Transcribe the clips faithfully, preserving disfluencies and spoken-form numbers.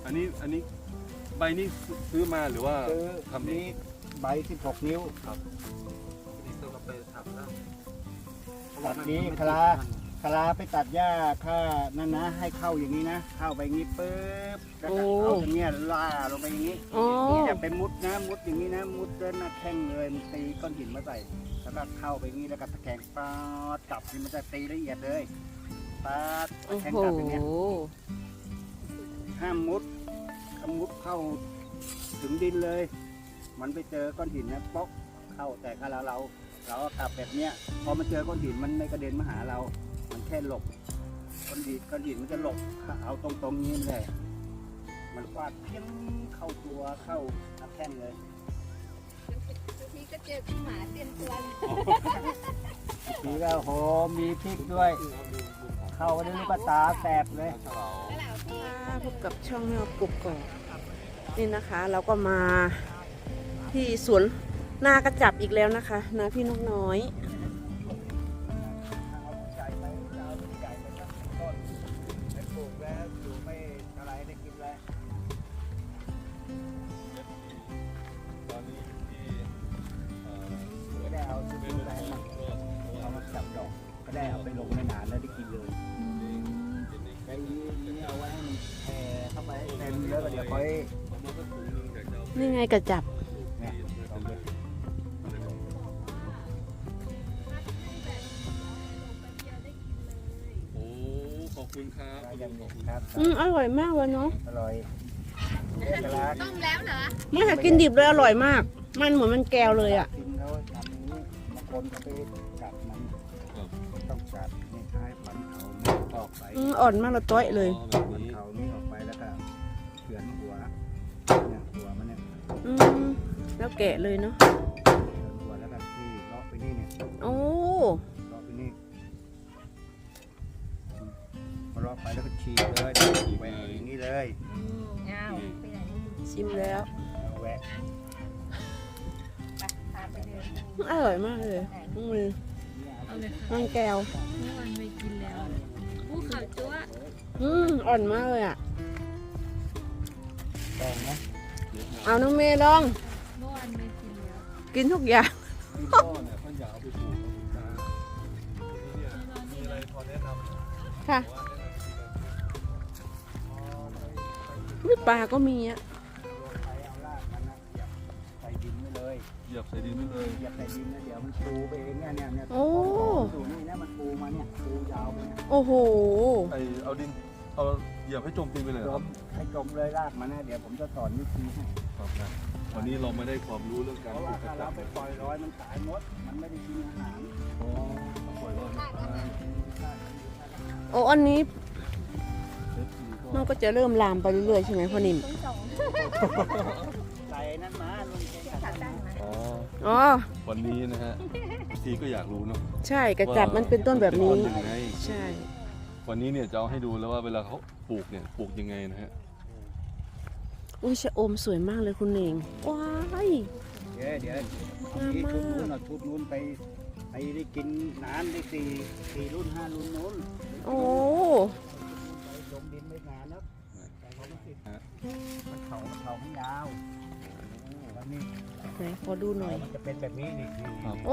อันนี้อันนี้ใบนี้ซื้อมาหรือว่าคือทำเองนี้ใบสิบหกนิ้วครับนี่ตัวก็ไปทำแล้วตัดนี้คลาคลาไปตัดหญ้าค่านั่นนะ ให้เข้าอย่างนี้นะ เข้าไปอย่างนี้ปุ๊บแล้วก็เอาตรงเนี้ยล่าลงไปอย่างนี้อ๋อนี่จะเป็นมุดนะมุดอย่างนี้นะมุดเดินหน้าแข้งเลยมันตีก้อนหินมาใส่แล้วก็เข้าไปอย่างนี้แล้วก็ตะแคงปาดกลับนี่มันจะตีละเอียดเลยปาดโอ้แทงโหกลับอย่างเนี้ยห้ามมุดถ้ามุดเข้าถึงดินเลย มันไปเจอก้อนหินนะป๊อกเข้าแต่ถ้าเราเราเราก็กลับแบบเนี้ยพอมาเจอก้อนหินมันไม่กระเด็นมาหาเรา มันแค่หลบก้อนหินก้อนหินมันจะหลบเอาตรงตรงๆนี้เลยมันฟาดเพี้ยงเข้าตัวเข้าหน้าแข้งเลยทีก็เจอพี่หมาเตรียมตัวเลยทีก็โหมีพริกด้วย เข้าไปด้วยก็ตาแสบเลยแล้วเราพี่ค่ะพบกับช่องแมวกุกก่อนนี่นะคะ เราก็มาที่สวนนากระจับอีกแล้วนะคะนาพี่นกน้อยใหญ่ไปเอาใหญ่ไปสักต้นไปปลูกแล้วอยู่ไม่อะไรได้กินแล้วตอนนี้ที่เอ่อก็ได้เอาซื้อแรงมาเอามาจับดอกก็ได้เอาไปลงในนานแล้วได้กินเลยไอ้นี่เอาไว้ให้มันแผ่เข้าไปให้เต็มแล้วก็เดี๋ยวค่อยประมาณสักถุงหนึงอยากจะเอานี่ไงกระจับเนี่ยลองดูโอ้ขอบคุณครับได้ยังเนี่ยครับอืมอร่อยมากเลยเนาะอร่อยเอกลักษณ์ต้มแล้วเหรอไม่ค่ะกินดิบเลยอร่อยมาก มันเหมือนมันแก้วเลยอ่ะกินเขาทำอย่างนี้บางคนก็ไปกัดมันต้องกัดนี่ท้ายฝันเขานี่ออกไปอืมอ่อนมากเลยต้อยเลยอ๋อแบบฝันนี้เขานี่ออกไปแล้วก็เฉือนหัวเนี่ยหัวมันเนี่ยอืมแล้วแกะเลยเนาะเฉือนหัวแล้วก็ที่เลาะไปนี่เนี่ยโอ้เลาะไปนี่พอเลาะไปแล้วก็ฉีกเลยแหวกอย่างนี้เลยอ้าวไปไหนชิมแล้วแหวกไปพาไปเลยอร่อยมากเลยมือเอาเลยมันแก้วเมื่อวานไม่กินแล้วผู้ข่าวจั๊วอืมอ่อนมากเลยอ่ะแตงนะเอาน้องเมย์ลองเมื่อวานไม่กินแล้วกินทุกอย่างที่พ่อเนี่ยท่านอยากเอาไปปลูกนะคุณตาทีนี้เนี่ยมีอะไรพอแนะนำค่ะว่าแนะนำวิธีการปลูกวิปลาก็มีอ่ะใช้เอาลากมันนะเหยียบใส่ดินไปเลยเหยียบใส่ดินไปเลยเหยียบใส่ดินนะเดี๋ยวมันปูไปเองเนี่ยเนี่ยเนี่ยโอ้ดูนี่นะมันปูมาเนี่ยปูยาวไปเนี่ยโอ้โหไอเอาดินเอาเหยียบให้จมดินไปเลยเหจรอครัมบให้จมเลยลากมันนะเดี๋ยวผมจะสอนวิธีให้ครับนะวันนี้เราไม่ได้ความรู้เรื่องเพการราะปลูว่ากกระถ้าจัเราบไปปล่อยลอยมันตายหมดมันไม่ได้กินอาหารอ๋อปล่อยรอดไม่ได้โอ้อันนี้เอฟซีก็มันก็จะเริ่มลามไปเรื่อยๆใช่ไหมพ่อนิ่มต้องสองใส่นั่นมาลุงเกงขาตั้งมาอ๋ออ๋อวันนี้นะฮะทีก็อยากรู้เนาะใช่กระจับมันเป็นต้นแบบนี้ว่ามัเป็ต้ยังไงใช่วันนี้เนี่ยจะเอาให้ดูแล้วว่าเวลาเขาปลูกเนี่ยปลูกยังไงนะฮะอุ้ยชะอมสวยมากเลยคุณเองว้ายเดี๋ยวเดี๋ยวเอาที่ชุดนู้นเอาชุดนู้นไปไปได้กินนานได้สี่สี่รุ่นห้ารุ่นนู้นโอ้ไปลงดินไม่นานนะแต่เขาไม่ติดมันเขามันเขามันยาวแล้วนี่ไหนขอดูหน่อยมันจะเป็นแบบนี้นี่นี่ครับโอ้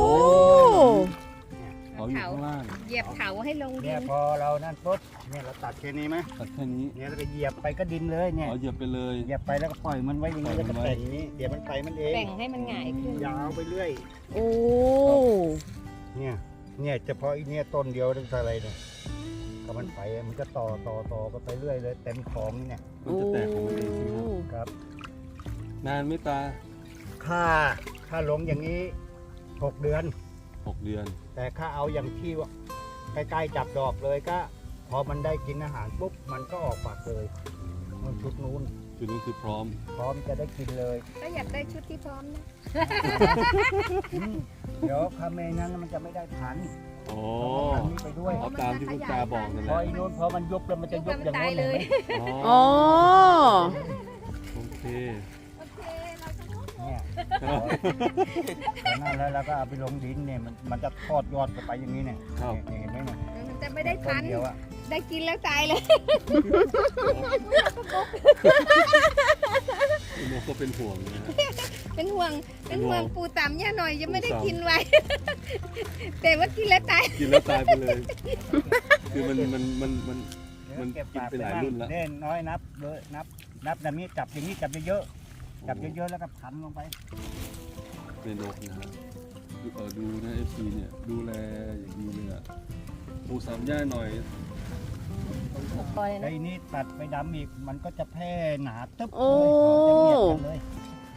เขาอยู่ข้างล่างเหยียบเถาให้ลงดิเนี่ยนพอเรานั่นปุ๊บเนี่ยเราตัดแค่นี้ไหมตัดแค่นี้เนี่ยเราก็เหยียบไปก็ดินเลยเนี่ยอ๋อเหยียบไปเลยเหยียบไปแล้วก็ปล่อยมันไว้อย่างนี้ปล่แล้วอยมันไว้ก็แต่งอย่างนี้เดี๋ยวมันไปมันเองแบ่งให้มันหงายขึ้นยาวไปเรื่อยโอ้เนี่ยเนี่ยเฉพาะอีเนี่ยต้นเดียวตั้งแต่อะไรเนี่ยก็มันไปมันก็ต่อต่อต่อกันไปเรื่อยเลยเต็มของนี่เนี่ยมันจะแตกของมันเองใช่ไหมครับครับนานไหม่ตาค่าค่าลงอย่างนี้หกเดือนหกเดือนแต่ค่าเอาอย่างที่ว่าใกล้ๆจับดอกเลยก็ พอมันได้กินอาหารปุ๊บมันก็ออกปากเลยมันชุดนู้นจุดนี้คือพร้อมพร้อมจะได้กินเลยก็อยากได้ชุดที่พร้อมนะอืมเดี๋ยวถ้าไม่งั้นมันจะไม่ได้พันธุ์โอ้ต้องเอาพันธุ์นี้ไปด้วยเอาตามที่คุณตาบอกนั่นแหพอละอีนู้นพอมันยุบแล้วมันจะยุบอย่างโน้นเห็นไหมอ๋ออ๋อโอเคโอเคเราจะเนี่ยนั่นแล้วเราก็เอาไปลงดินเนี่ยมันมันจะทอดยอดกันไปอย่างนี้เนี่ยครับเนี่ยเห็นไหมเนี่ยมันจะไม่ได้ต้พันนเดียวอะได้กินแล้วตายเลยเป็นห่วงนะฮะเป็นห่วง เป็นห่วงเป็นห่วงปูตามย่าหน่อยยังไม่ได้ปูตำกินไว้ แต่ว่ากินแล้วตายกินแล้วตายไปเลย คือมันมันมันมัน มันเก็บกินปากไปหลายรุ่นแล้วเล่นน้อยนับเลยนับ นับแบบนี้จับอย่างนี้จับเยอะๆจับเยอะๆแล้วก็พันลงไปในนกนะฮะดูเออดูนะเอฟซีเนี่ยดูแลอย่างดีเลยอ่ะปูสามย่าหน่อยปล่อยไอ้นะนี่ตัดไปดำอีกมันก็จะแพร่หนาตึ๊บโอ้เลยเขาจะเบียดกันเลย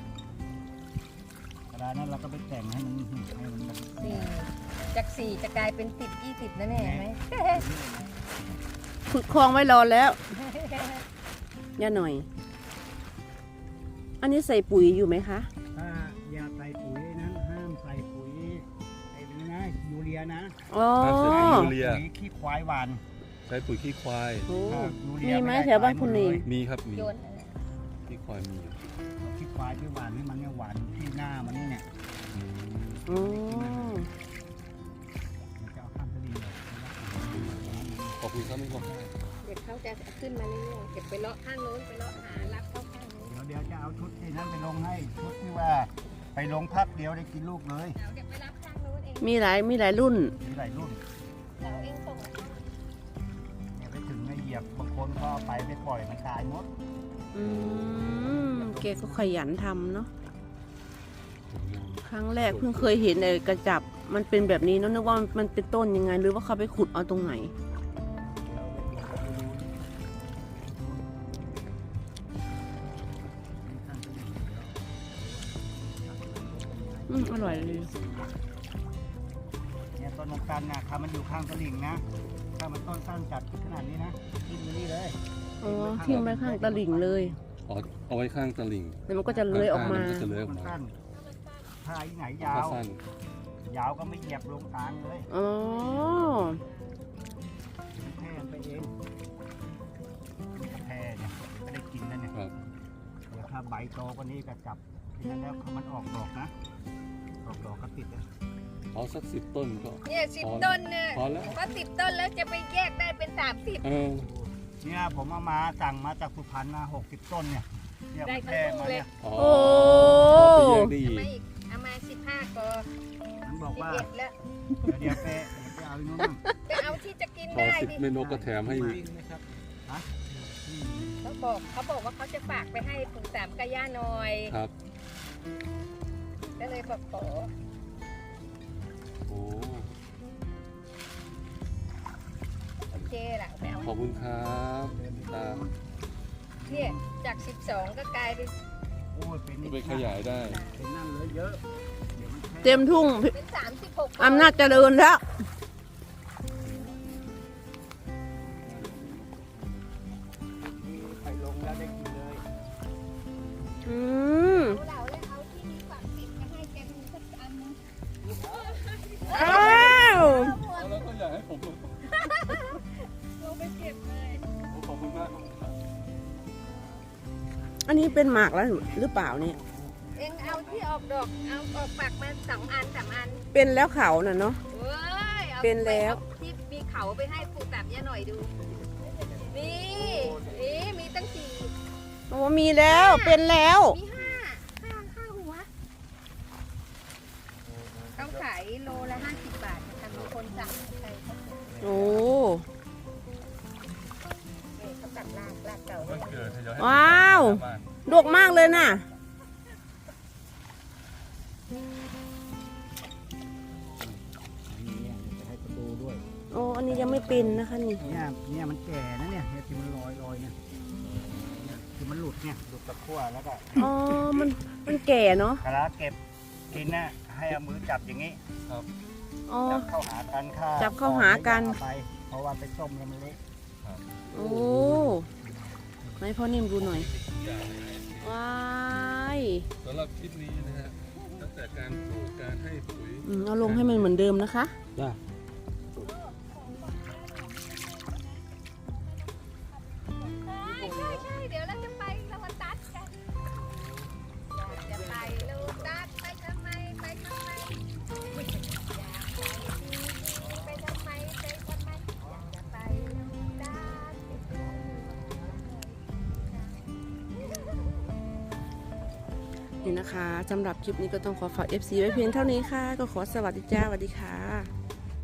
เวลานั้นเราก็ไปแต่งให้มันให้มันแบบสี่จากสี่จะกลายเป็นสิบยี่สิบนะเนี่ยเห็นไหมขุดคลองไว้รอแล้วย่าหน่อย อันนี้ใส่ปุ๋ยอยู่ไหมคะถ้าอย่าใส่ปุ๋ยนั้นห้ามใส่ปุ๋ยไอ้นี่นะยูเรียนะอ๋อห้ามใส่ปุ๋ยยูเรียปุ๋ยขี้ควายหวานใช้ปุ๋ยขี้ควายโอ้ถ้ายูเรีมียไหมด้แถวบ้านคุณนี่ตยหมดเลยมีครับมีโยนนั่นแหละขี้ควายมีอยู่ขี้ควายที่หวานให้มันเนี่ยหวานที่หน้ามันนี่เนี่ยอืมอ๋อมันจะเอาข้ามทะเลเลยขอบคุณครับไม่ขอบคุณเด็กเขาจะขึ้นมาเรื่อยๆเก็บไปเลาะข้างโน้นไปเลาะหารับเข้าข้างโน้นเดี๋ยวเดี๋ยวจะเอาชุดที่นั้นไปลงให้ชุดที่ว่าไปลงพักเดียวได้กินลูกเลยเดี๋ยวเดี๋ยวไปรับข้างโน้นเองมีหลายมีหลายรุ่นมีหลายรุ่นเราเองส่งมาให้เนี่ยไปถึงไม่เหยียบบางคนก็เอาไปไปปล่อยมันตายหมดอืมแกก็ขยันทำเนาะ ครั้งแรกเพิ่งเคยเห็นไอ้กระจับ มันเป็นแบบนี้เนอะนึกว่ามันเป็นต้นยังไง หรือว่าเขาไปขุดเอาตรงไหน อืมอร่อยเลยเนี่ยต้นนกตันนะถ้ามันอยู่ข้างตลิ่งนะถ้ามันต้นสั้นจัดขนาดนี้นะทิ้งไปนี่เลยอ๋อทิ้งไปข้างตลิ่งเลยอ๋อเอาไว้ข้างตลิ่งแล้วมันก็จะเลื้อยออกมานก็จะเลื้อยออกมันมาสั้นถ้าอีไหนยาถ้าว สั้นยาวก็ไม่เหยียบลงกลางเลยอ๋อมันแพร่ไปเองมันจะแพร่เนี่ยไม่ได้กินแล้วเนี่ยครับเดี๋ยวถ้าใบโตกว่านี้ก็จับทีนั้นแล้วมันออกดอกนะออกดอกก็ติดนะเอาสักสิบต้นก็เนี่ยสิบพอต้นเนี่ยพอแล้วเพราะสิบต้นแล้วจะไปแยกได้เป็นสามสิบเออเนี่ยผมเอามาสั่งมาจากสุพรรณมาหกสิบต้นเนี่ยเนี่ยมันแพร่มาเนี่ยอ๋อโอ้ไปแยกได้อีมาก อีกเอามาสิบห้ากอมันบอกสิบว่าเอ็ดแล้วเดี๋ยวเดี๋ยวไปเดี๋ยวไปเอาอีกนู้นบ้างไปเอาที่จะกินพอได้สิบดิเมนกก็แถมให้อีกวิ่งไหมครับอืมเขาบอกเขาบอกว่าเขาจะฝากไปให้ปู่สามกะย่าหน่อยครับก็เลยบอกขอโอ้โอเคล่ะไปเอาขอบคุณครับตาเนี่ยจากสิบสองก็กลายเป็นโอ้ยเป็นนี่ไปขยายได้เป็นนั่นเลยเยอะเดี๋ยวมันแพร่เต็มทุ่งเป็นสามสิบหกอำนาจเจริญแล้วไปลงแล้วได้กินเลยอืมเอาเหล่าแล้วเอาที่มีฝักติดมาให้แกดูสักอันนึงอ้าวเอาแล้วก็อยากให้ผมลงลงไปเก็บเลยโอ้ขอบคุณมากครับอันนี้เป็นหมากแล้วหรือเปล่าเนี่ยเองเอาที่ออกดอกเอาออกฝักมาสองอันสามอันเป็นแล้วเขาน่ะเนาะเว้ยอาเป็นแล้วที่มีเขาไปให้ปู่สามย่าหน่อยดูนี่นี่มีตั้งสี่โอ้มีแล้วเป็นแล้วมีห้าห้าห้าหัวต้องขายโลละห้าสิบบาทนะคะมีคนสั่งใครเขาโอ้เนี่ยเขาตัดรากรากเก่าวันเกิดให้ย้อนให้ว้าวบ้านดกมากเลยน่ะอันนี้เนี่ยจะให้ดูด้วยโอ้ อันนี้ยังไม่เป็นนะคะนี่เนี่ยเนี่ยมันแก่นะเนี่ยเนี่ยที่มันลอยลอยเนี่ยเนี่ยที่มันหลุดเนี่ยหลุดตะกั่วแล้วก็อ๋อ มัน มันแก่เนาะเวลาเก็บกินนะให้เอามือจับอย่างนี้อ๋อจับเข้าหากันค่ะจับเข้าหากันเอไป เพราะว่าไปต้มแล้วมันเละโอ้ให้พ่อนิ่มดูหน่อย ว้ายสำหรับคลิปนี้นะฮะตั้งแต่การปลูกการให้ปุ๋ยอืมเอาลงให้มันเหมือนเดิมนะคะจ้าใช่ใช่ใช่เดี๋ยวเราจะไปโลตัสกันอยากจะไปโลตัสไปทำไมไปทำไมอยากไปไปทำไมไปทำไมอยากจะไปโลตัสไปดูนี่นะคะสำหรับคลิปนี้ก็ต้องขอฝาก เอฟ ซี ไว้เพียงเท่านี้ค่ะ ก็ขอสวัสดีจ้าสวัสดีค่ะ